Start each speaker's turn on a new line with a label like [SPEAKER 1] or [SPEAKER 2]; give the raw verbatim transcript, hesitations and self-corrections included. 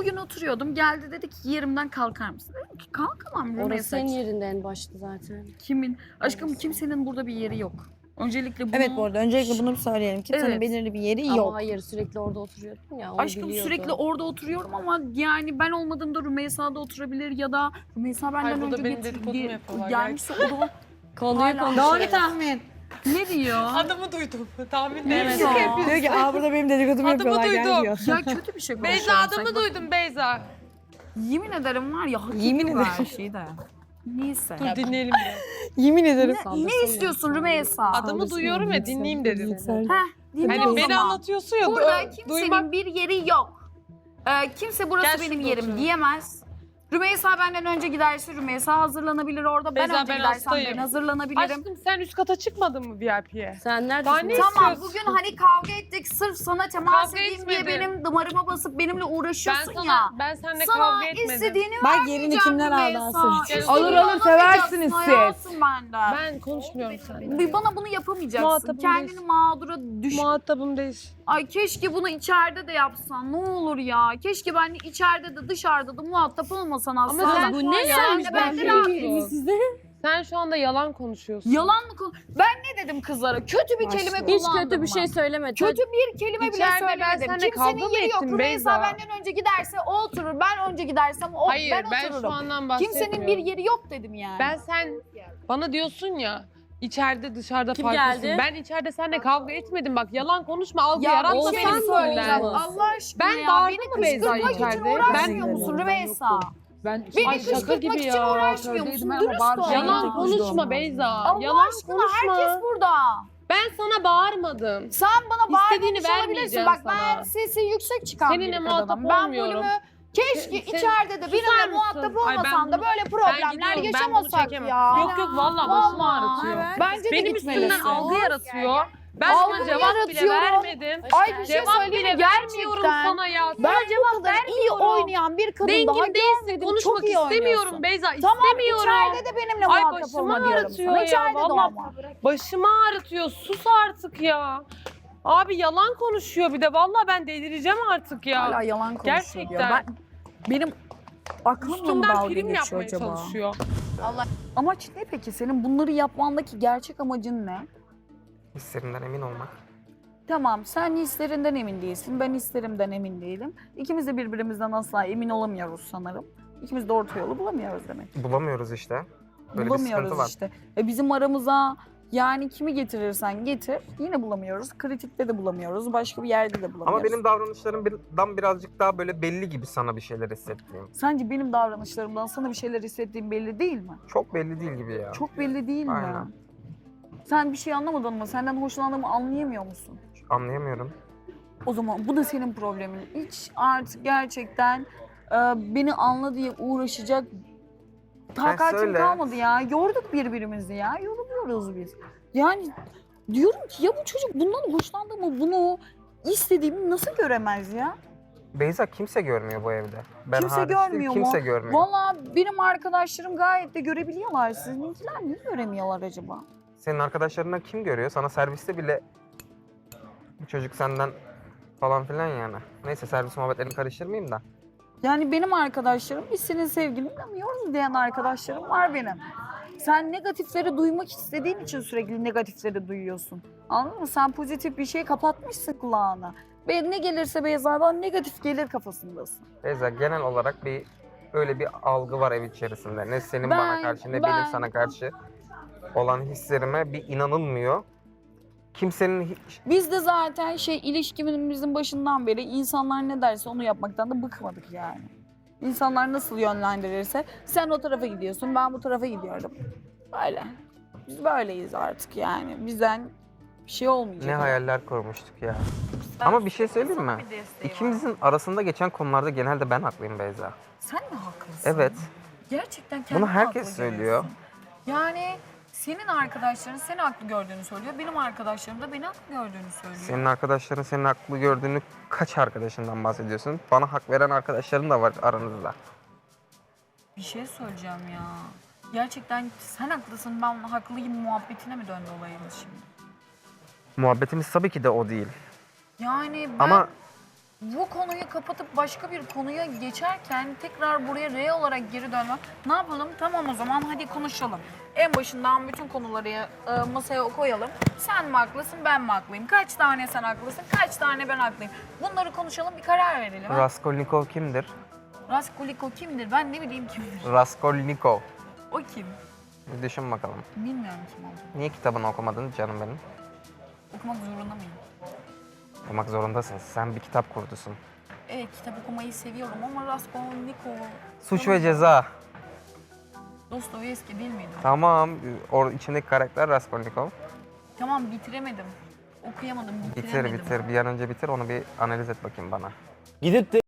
[SPEAKER 1] bugün oturuyordum. Geldi dedi ki yerimden kalkar mısın? Dedim ki kalkamam
[SPEAKER 2] Orası
[SPEAKER 1] Rümeysa.
[SPEAKER 2] senin yerinde en başta zaten.
[SPEAKER 1] Kimin? Aşkım
[SPEAKER 2] Orası.
[SPEAKER 1] kimsenin burada bir yeri yok. Öncelikle bunu...
[SPEAKER 3] Evet bu arada öncelikle bunu bir söyleyelim. Kimsenin
[SPEAKER 1] Evet.
[SPEAKER 3] belirli bir yeri
[SPEAKER 2] Ama
[SPEAKER 3] yok.
[SPEAKER 2] hayır sürekli orada oturuyordun ya onu
[SPEAKER 1] Aşkım
[SPEAKER 2] biliyordu.
[SPEAKER 1] sürekli orada oturuyorum ama yani ben olmadığımda Rümeysa'da oturabilir ya da Rümeysa benden
[SPEAKER 4] Hayır, burada
[SPEAKER 1] önce
[SPEAKER 4] benim
[SPEAKER 1] getir,
[SPEAKER 4] dedikodumu
[SPEAKER 1] ge-
[SPEAKER 4] yapıyorlar
[SPEAKER 1] gelmişse o da
[SPEAKER 2] Konuyu
[SPEAKER 1] Hala-
[SPEAKER 2] konuşuyor.
[SPEAKER 3] Doğru tahmin.
[SPEAKER 1] ne diyor?
[SPEAKER 4] Adımı duydum. Tahmin
[SPEAKER 1] Ne
[SPEAKER 4] değil.
[SPEAKER 1] diyor?
[SPEAKER 3] Diyor ki aa burada benim dedikodumu
[SPEAKER 4] Adımı
[SPEAKER 3] yapıyorlar gel
[SPEAKER 4] duydum.
[SPEAKER 3] diyor.
[SPEAKER 1] Ya kötü bir şey konuşuyorum.
[SPEAKER 4] Beyza adımı
[SPEAKER 1] sanki.
[SPEAKER 4] duydum Beyza.
[SPEAKER 1] Yemin ederim var ya hak
[SPEAKER 3] Yemin
[SPEAKER 1] ediyor her
[SPEAKER 3] ederim.
[SPEAKER 1] şeyi de. Neyse.
[SPEAKER 4] Dur dinleyelim bir.
[SPEAKER 3] Yemin ederim.
[SPEAKER 1] Ne, ne istiyorsun Rümeysa?
[SPEAKER 4] Adımı duyuyorum ya dinleyeyim dedim.
[SPEAKER 1] Heh, dinle
[SPEAKER 4] Hani
[SPEAKER 1] o
[SPEAKER 4] beni
[SPEAKER 1] zaman.
[SPEAKER 4] anlatıyorsun ya.
[SPEAKER 1] Burada
[SPEAKER 4] du-
[SPEAKER 1] kimsenin
[SPEAKER 4] duymak.
[SPEAKER 1] bir yeri yok. Ee, kimse burası
[SPEAKER 4] Gel
[SPEAKER 1] benim
[SPEAKER 4] şurada
[SPEAKER 1] yerim
[SPEAKER 4] oturalım.
[SPEAKER 1] diyemez. Rümeysa benden önce giderse Rümeysa hazırlanabilir orada. Ben
[SPEAKER 4] Beyza,
[SPEAKER 1] önce
[SPEAKER 4] ben
[SPEAKER 1] gidersem
[SPEAKER 4] hastayım.
[SPEAKER 1] ben hazırlanabilirim.
[SPEAKER 4] Aşkım sen üst kata çıkmadın mı V I P'ye?
[SPEAKER 2] Sen
[SPEAKER 4] Daha
[SPEAKER 2] neredesin?
[SPEAKER 4] ne
[SPEAKER 1] Tamam
[SPEAKER 4] istiyorsun?
[SPEAKER 1] bugün hani kavga ettik sırf sana temas
[SPEAKER 4] Kavga
[SPEAKER 1] edeyim diye
[SPEAKER 4] etmedim.
[SPEAKER 1] benim damarıma basıp benimle
[SPEAKER 4] Ben
[SPEAKER 1] uğraşıyorsun
[SPEAKER 4] sana,
[SPEAKER 1] ya.
[SPEAKER 4] ben seninle
[SPEAKER 1] Sana
[SPEAKER 4] kavga etmedim.
[SPEAKER 1] istediğini
[SPEAKER 3] Bak
[SPEAKER 1] vermeyeceğim
[SPEAKER 3] yerini kimler aldı
[SPEAKER 1] Rümeysa.
[SPEAKER 3] asıl için.
[SPEAKER 4] için.
[SPEAKER 1] İstediğini
[SPEAKER 5] Alır alır seversiniz
[SPEAKER 1] alamayacaksın
[SPEAKER 5] siz.
[SPEAKER 1] benden.
[SPEAKER 4] Ben konuşmuyorum seninle.
[SPEAKER 1] Bir Bana bunu yapamayacaksın.
[SPEAKER 4] Muhatabım
[SPEAKER 1] Kendini
[SPEAKER 4] değil.
[SPEAKER 1] mağdura düş.
[SPEAKER 4] Muhatabım değil.
[SPEAKER 1] Ay keşke bunu içeride de yapsan. Ne olur ya. Keşke ben içeride de dışarıda da muhatap olmasan aslında.
[SPEAKER 4] Ama sen
[SPEAKER 2] Bu
[SPEAKER 4] şu an
[SPEAKER 2] ne
[SPEAKER 4] yalan
[SPEAKER 1] yani? Ben de
[SPEAKER 4] konuşuyorsun.
[SPEAKER 2] size?
[SPEAKER 4] Sen şu anda yalan konuşuyorsun.
[SPEAKER 1] Yalan mı konu? Ben ne dedim kızlara? Kötü bir kelime kullandım
[SPEAKER 2] Hiç kötü bir
[SPEAKER 1] mı?
[SPEAKER 2] şey söylemedin.
[SPEAKER 1] Kötü bir kelime bile
[SPEAKER 4] İçeride ben
[SPEAKER 1] söylemedim.
[SPEAKER 4] seninle kavga
[SPEAKER 1] Kimsenin
[SPEAKER 4] mı
[SPEAKER 1] yeri yok.
[SPEAKER 4] ettim
[SPEAKER 1] Rümeysa
[SPEAKER 4] Beyza?
[SPEAKER 1] benden önce giderse o oturur. Ben önce gidersem o
[SPEAKER 4] Hayır
[SPEAKER 1] ben
[SPEAKER 4] ben,
[SPEAKER 1] otururum.
[SPEAKER 4] şu andan bahsetmiyorum.
[SPEAKER 1] Kimsenin bir yeri yok dedim yani.
[SPEAKER 4] Ben sen bana diyorsun ya içeride dışarıda
[SPEAKER 2] Kim
[SPEAKER 4] farklısın.
[SPEAKER 2] geldi?
[SPEAKER 4] Ben içeride seninle kavga etmedim bak yalan konuşma algı
[SPEAKER 1] ya
[SPEAKER 4] yaratma
[SPEAKER 1] bir şey
[SPEAKER 4] benim
[SPEAKER 1] söyleyeceğim.
[SPEAKER 4] söyleyeceğim.
[SPEAKER 1] Allah aşkına
[SPEAKER 4] Ben
[SPEAKER 1] ya.
[SPEAKER 4] bağırdım
[SPEAKER 1] Beni
[SPEAKER 4] mı Beyza
[SPEAKER 1] kışkırtmak için
[SPEAKER 4] içeride?
[SPEAKER 1] uğraşmıyor
[SPEAKER 4] Ben-
[SPEAKER 1] musun Rümeysa?
[SPEAKER 5] Ben
[SPEAKER 1] Beni
[SPEAKER 4] Ay, şaka
[SPEAKER 1] kışkırtmak
[SPEAKER 4] gibi
[SPEAKER 1] için
[SPEAKER 4] ya.
[SPEAKER 1] uğraşmıyor musun?
[SPEAKER 5] Söylediydim ama
[SPEAKER 1] Dürüst
[SPEAKER 5] bağıracağım.
[SPEAKER 1] ol.
[SPEAKER 4] Yalan
[SPEAKER 5] Yalan
[SPEAKER 4] konuşma
[SPEAKER 5] konuşma.
[SPEAKER 4] Beyza.
[SPEAKER 1] Allah
[SPEAKER 4] yalan
[SPEAKER 1] aşkına
[SPEAKER 4] konuşma.
[SPEAKER 1] herkes burada.
[SPEAKER 4] Ben sana bağırmadım.
[SPEAKER 1] Sen bana
[SPEAKER 4] İstediğini
[SPEAKER 1] bağırmamış olabilirsin.
[SPEAKER 4] vermeyeceğim
[SPEAKER 1] Bak ben
[SPEAKER 4] sana.
[SPEAKER 1] sesi yüksek çıkan
[SPEAKER 4] Seninle
[SPEAKER 1] bir
[SPEAKER 4] muhatap
[SPEAKER 1] kadınım. Ben
[SPEAKER 4] olmuyorum.
[SPEAKER 1] bölümü keşke
[SPEAKER 4] Sen-
[SPEAKER 1] içeride de
[SPEAKER 4] susar
[SPEAKER 1] benimle
[SPEAKER 4] mısın?
[SPEAKER 1] muhatap
[SPEAKER 4] Ay, ben
[SPEAKER 1] olmasan da
[SPEAKER 4] bunu-
[SPEAKER 1] böyle
[SPEAKER 4] Ben
[SPEAKER 1] problemler
[SPEAKER 4] gidiyorum, ben bunu
[SPEAKER 1] yaşamasak
[SPEAKER 4] çekemem.
[SPEAKER 1] ya.
[SPEAKER 4] Yok yok vallahi başım
[SPEAKER 1] Vallahi.
[SPEAKER 4] ağrıtıyor.
[SPEAKER 1] Bence de
[SPEAKER 4] Benim
[SPEAKER 1] gitmelisin.
[SPEAKER 4] üstümden algı yaratıyor. Ben
[SPEAKER 1] Algı
[SPEAKER 4] sana cevap bile
[SPEAKER 1] yaratıyorum.
[SPEAKER 4] vermedim.
[SPEAKER 1] Ay bir şey
[SPEAKER 4] Cevap
[SPEAKER 1] söyleyeyim
[SPEAKER 4] bile
[SPEAKER 1] mi?
[SPEAKER 4] vermiyorum
[SPEAKER 1] Gerçekten.
[SPEAKER 4] sana ya. Sana
[SPEAKER 1] Ben bu
[SPEAKER 4] cevap
[SPEAKER 1] kadar iyi
[SPEAKER 4] vermiyorum.
[SPEAKER 1] oynayan bir kadın daha
[SPEAKER 4] Dengin değilsin.
[SPEAKER 1] görmedim.
[SPEAKER 4] Konuşmak
[SPEAKER 1] Çok iyi
[SPEAKER 4] istemiyorum
[SPEAKER 1] oynuyorsun.
[SPEAKER 4] Beyza.
[SPEAKER 1] Tamam
[SPEAKER 4] istemiyorum.
[SPEAKER 1] içeride de benimle
[SPEAKER 4] Ay
[SPEAKER 1] muhatap
[SPEAKER 4] başımı
[SPEAKER 1] olma diyorum
[SPEAKER 4] ağrıtıyor
[SPEAKER 1] sana.
[SPEAKER 4] ya.
[SPEAKER 1] İçeride de
[SPEAKER 4] Vallahi
[SPEAKER 1] olma.
[SPEAKER 4] başımı ağrıtıyor. Sus artık ya. Abi yalan konuşuyor bir de. Vallahi ben delireceğim artık ya.
[SPEAKER 1] Hala yalan konuşuyor
[SPEAKER 4] Gerçekten.
[SPEAKER 1] diyor. Ben, benim aklımla mı
[SPEAKER 4] Üstümden
[SPEAKER 1] dalga
[SPEAKER 4] prim
[SPEAKER 1] geçiyor
[SPEAKER 4] yapmaya
[SPEAKER 1] acaba?
[SPEAKER 4] çalışıyor.
[SPEAKER 1] Amaç ne peki? Senin bunları yapmandaki gerçek amacın ne?
[SPEAKER 6] Hislerinden emin olmak.
[SPEAKER 1] Tamam, sen hislerinden emin değilsin, ben hislerimden emin değilim. İkimiz de birbirimizden asla emin olamıyoruz sanırım. İkimiz de orta yolu bulamıyoruz demek.
[SPEAKER 6] Bulamıyoruz işte. Böyle bir
[SPEAKER 1] bulamıyoruz
[SPEAKER 6] sıkıntı var.
[SPEAKER 1] işte. E bizim aramıza yani kimi getirirsen getir, yine bulamıyoruz. Kritikte de bulamıyoruz, başka bir yerde de bulamıyoruz.
[SPEAKER 6] Ama benim davranışlarımdan birazcık daha böyle belli gibi sana bir şeyler hissettiğim.
[SPEAKER 1] Sence benim davranışlarımdan sana bir şeyler hissettiğim belli değil mi?
[SPEAKER 6] Çok belli değil gibi ya.
[SPEAKER 1] Çok belli değil mi?
[SPEAKER 6] Aynen.
[SPEAKER 1] Sen bir şey anlamadın mı? Senden hoşlandığımı anlayamıyor musun?
[SPEAKER 6] Anlayamıyorum.
[SPEAKER 1] O zaman bu da senin problemin. Hiç artık gerçekten e, beni anla diye uğraşacak takatim
[SPEAKER 6] söyle.
[SPEAKER 1] kalmadı ya. Yorduk birbirimizi ya. Yoruluyoruz biz. Yani diyorum ki ya bu çocuk bundan hoşlandığımı, bunu istediğimi nasıl göremez ya?
[SPEAKER 6] Beyza kimse görmüyor bu evde. Ben
[SPEAKER 1] Kimse
[SPEAKER 6] hariç değil,
[SPEAKER 1] görmüyor mu?
[SPEAKER 6] Kimse görmüyor.
[SPEAKER 1] Vallahi benim arkadaşlarım gayet de görebiliyorlar. Sizinkiler niye göremiyorlar acaba?
[SPEAKER 6] Senin arkadaşlarından kim görüyor? Sana serviste bile bu çocuk senden falan filan yani. Neyse servis muhabbetlerini karıştırmayayım da.
[SPEAKER 1] Yani benim arkadaşlarım, biz senin sevgilini tanıyoruz diyen arkadaşlarım var benim. Sen negatifleri duymak istediğin için sürekli negatifleri duyuyorsun. Anladın mı? Sen pozitif bir şey kapatmışsın kulağına. Ve ne gelirse Beyza'dan negatif gelir kafasındasın.
[SPEAKER 6] Beyza genel olarak bir öyle bir algı var ev içerisinde. Ne senin
[SPEAKER 1] Ben-
[SPEAKER 6] bana karşı ne
[SPEAKER 1] ben-
[SPEAKER 6] benim sana karşı olan hislerime bir inanılmıyor. Kimsenin hiç...
[SPEAKER 1] Biz de zaten şey ilişkimizin başından beri insanlar ne derse onu yapmaktan da bıkmadık yani. İnsanlar nasıl yönlendirirse sen o tarafa gidiyorsun, ben bu tarafa gidiyorum. Böyle. Biz böyleyiz artık yani. Bizden bir şey olmayacak.
[SPEAKER 6] Ne hayaller kurmuştuk ya. Ama bir şey söyleyeyim mi? İkimizin arasında geçen konularda genelde ben haklıyım Beyza.
[SPEAKER 1] Sen mi haklısın?
[SPEAKER 6] Evet.
[SPEAKER 1] Gerçekten
[SPEAKER 6] Bunu
[SPEAKER 1] kendini
[SPEAKER 6] herkes
[SPEAKER 1] haklı
[SPEAKER 6] söylüyor.
[SPEAKER 1] görüyorsun. Yani senin arkadaşların seni haklı gördüğünü söylüyor. Benim arkadaşlarım da beni haklı gördüğünü söylüyor.
[SPEAKER 6] Senin arkadaşların senin haklı gördüğünü kaç arkadaşından bahsediyorsun? Bana hak veren arkadaşların da var aranızda.
[SPEAKER 1] Bir şey söyleyeceğim ya. Gerçekten sen haklısın, ben haklıyım muhabbetine mi döndü olayımız şimdi?
[SPEAKER 6] Muhabbetimiz tabii ki de o değil.
[SPEAKER 1] Yani ben...
[SPEAKER 6] Ama
[SPEAKER 1] bu konuyu kapatıp başka bir konuya geçerken tekrar buraya R olarak geri dönmem. Ne yapalım? Tamam o zaman hadi konuşalım. En başından bütün konuları e, masaya koyalım. Sen mi haklısın, ben mi haklıyım? Kaç tane sen haklısın, kaç tane ben haklıyım? Bunları konuşalım, bir karar verelim. ha?
[SPEAKER 6] Raskolnikov kimdir?
[SPEAKER 1] Raskolnikov kimdir? Ben ne bileyim kimdir?
[SPEAKER 6] Raskolnikov.
[SPEAKER 1] O kim?
[SPEAKER 6] Bir düşün bakalım.
[SPEAKER 1] Bilmiyorum kim olduğunu.
[SPEAKER 6] Niye kitabını okumadın canım benim?
[SPEAKER 1] Okumak zorunda mıyım?
[SPEAKER 6] Okumak zorundasın. Sen bir kitap kurdusun.
[SPEAKER 1] Evet, kitap okumayı seviyorum ama Raskolnikov...
[SPEAKER 6] Suç ve Ceza.
[SPEAKER 1] Dostoyevski değil miydi?
[SPEAKER 6] Tamam. O içindeki karakter Raskolnikov.
[SPEAKER 1] Tamam, bitiremedim. Okuyamadım,
[SPEAKER 6] Bitir
[SPEAKER 1] bitiremedim.
[SPEAKER 6] bitir. Bir an önce bitir. Onu bir analiz et bakayım bana.
[SPEAKER 5] Gidip de